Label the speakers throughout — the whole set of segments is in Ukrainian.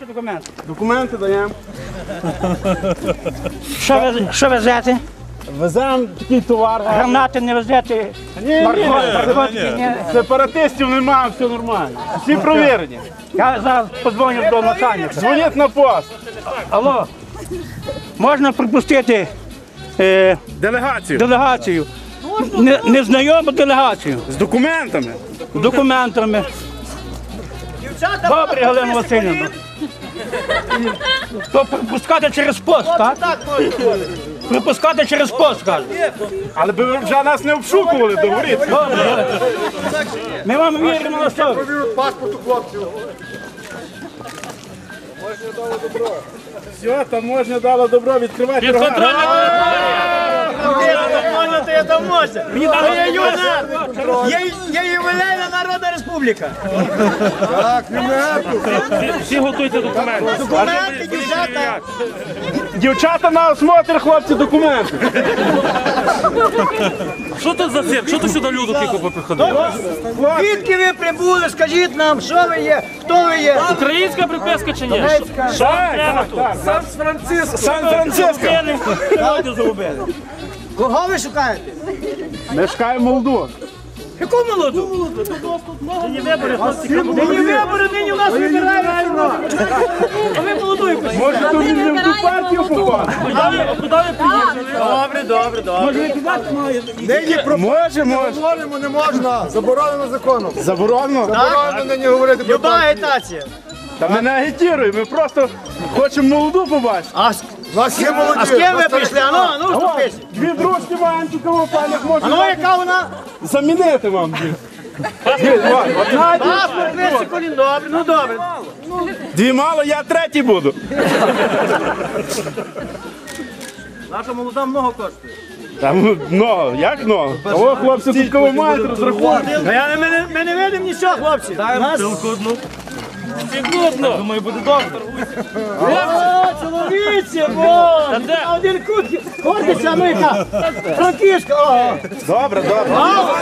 Speaker 1: Ваші документи.
Speaker 2: Документи даємо.
Speaker 1: Що везете?
Speaker 2: Веземо такий товар.
Speaker 1: Гранати не везете?
Speaker 2: Ні.
Speaker 1: Наркотики ні.
Speaker 2: Сепаратистів немає, все нормально. Всі провірені.
Speaker 1: Я зараз подзвоню до начальника.
Speaker 2: Дзвонять на пост.
Speaker 1: Алло, можна пропустити делегацію? Незнайому делегацію.
Speaker 2: З документами.
Speaker 1: З документами. Добре, Галина Васильівна. То пропускати через пост, так?
Speaker 3: Так можна ходити.
Speaker 1: Пропускати через пост, кажуть.
Speaker 2: Але би ви вже нас не обшукували, договоріться.
Speaker 1: Добре. Ми вам віримо на слово.
Speaker 3: Паспорт у хлопців.
Speaker 2: Все, таможня дала добро, відкривайте рога.
Speaker 3: Там можна. Я юнат. Я ювілейна Народна Республіка. Так,
Speaker 2: Всі готуйте документи.
Speaker 3: документи, дівчата.
Speaker 2: Дівчата на осмотр, хлопці, документи.
Speaker 4: Що тут за цирк? Що тут сюди люди тільки поприходили?
Speaker 3: Звідки ви прибули? Скажіть нам, що ви є, хто ви є?
Speaker 4: Українська приписка чи ні?
Speaker 2: Сан-Франциско.
Speaker 3: Кого ви шукаєте?
Speaker 2: Ми шукаємо молоду.
Speaker 3: Яку молоду? Нині вибори, нині у нас вибирають. А ви молоду якусь.
Speaker 2: Може, то він не в ту партію попав?
Speaker 4: Куди ви приїхали?
Speaker 3: Добре. Нині
Speaker 2: Може.
Speaker 3: не можна. Заборонено законом.
Speaker 2: Заборонено?
Speaker 3: Заборонено нині говорити про люба агітація.
Speaker 2: Та ми не агітуємо, ми просто хочемо молоду побачити.
Speaker 3: А з ким ви прийшли? Ану, вступись.
Speaker 2: Дві дружки маємо цікаво, панях, може
Speaker 3: Ану, яка вона?
Speaker 2: замінити вам.
Speaker 3: Паспорт, весь колін. Добре, ну добре.
Speaker 2: Дві мало, я третій буду.
Speaker 4: Наша молода много коштує.
Speaker 2: Там много, як много? О, хлопці, тут кого мають розрахунки.
Speaker 3: Ми не видимо нічого, хлопці.
Speaker 4: Пилку одну. Секундно. Думаю, буде доктор.
Speaker 3: О, чоловіче, а один кут, ходиться, ну яка, Франківська, о.
Speaker 2: Добре.
Speaker 3: Мало.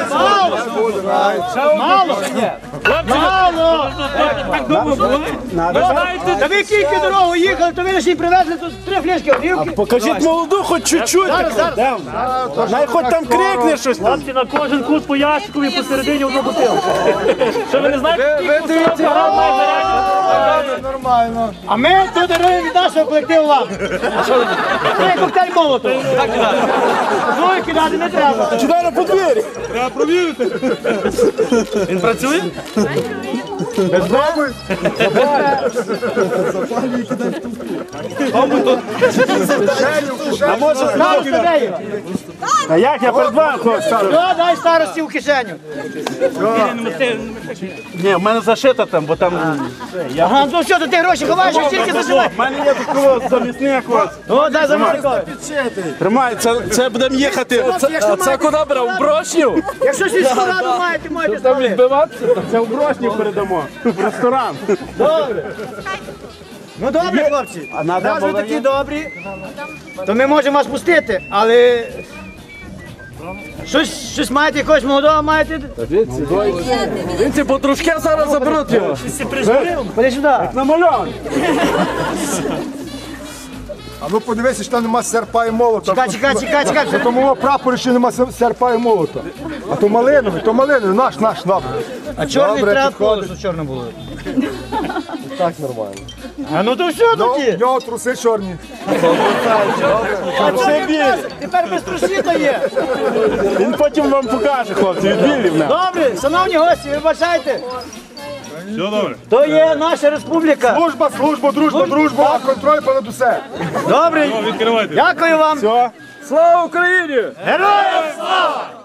Speaker 4: Так довго були?
Speaker 3: Та ви кілька дорогу їхали, то ви лише привезли тут 3 фляшки горілки.
Speaker 2: Покажіть молоду, хоч чуть-чуть. Най хоч там крикне щось.
Speaker 4: Хлопці, на кожен кут по ящику і посередині одну бутилку. Що ви не знаєте?
Speaker 3: Ви дивіться, нормально. А ми тут даруємо від нашого колективу вам. А що ви? Це коктейль молотов. Так кидати. Двоє кидати не треба.
Speaker 2: Чудово на подвір'ї.
Speaker 4: Треба провірити. Він працює?
Speaker 2: А може
Speaker 3: Старості де є?
Speaker 2: А як я перед вами хлопці ставлю?
Speaker 3: Що, дай старості в кишеню.
Speaker 2: Ні, в мене зашито там, бо там...
Speaker 3: Ага, ну що, то ти гроші ховаєш, а тільки зашивай.
Speaker 2: В мене є такого замісник ось.
Speaker 3: О, дай замовникові.
Speaker 2: Тримай, це будемо їхати.
Speaker 3: А це
Speaker 4: Куди брав? В Брошнів?
Speaker 3: Якщо сільську раду маєте, можете ставити.
Speaker 2: Відбиватися? Це в Брошнів передамо. В ресторан.
Speaker 3: Добре. Ну добре, хлопці. Раз ви такі добрі, то ми можемо вас пустити, але щось маєте, якогось молодого маєте?
Speaker 2: Він ці подружки зараз заберуть його.
Speaker 3: Ходи сюди.
Speaker 2: Намальований.
Speaker 5: А ну подивися, що там нема серпа і молота.
Speaker 3: Чекай.
Speaker 5: Тому прапорі ще нема серпа і молота. А то малиновий, наш, набір.
Speaker 3: А чорний
Speaker 5: Добре,
Speaker 3: треба,
Speaker 5: підходить.
Speaker 3: щоб чорно було.
Speaker 5: Так нормально.
Speaker 3: А ну то все тоді.
Speaker 5: В нього труси чорні.
Speaker 3: А це біль. Тепер без трусів то є.
Speaker 2: Він потім вам покаже, хлопці, від білів нам.
Speaker 3: Добре, шановні гості, ви бачайте. Все добре. То є наша республіка.
Speaker 5: Дружба, контроль понад усе.
Speaker 3: Добре. Дякую вам.
Speaker 2: Все.
Speaker 4: Слава Україні!
Speaker 3: Героям слава!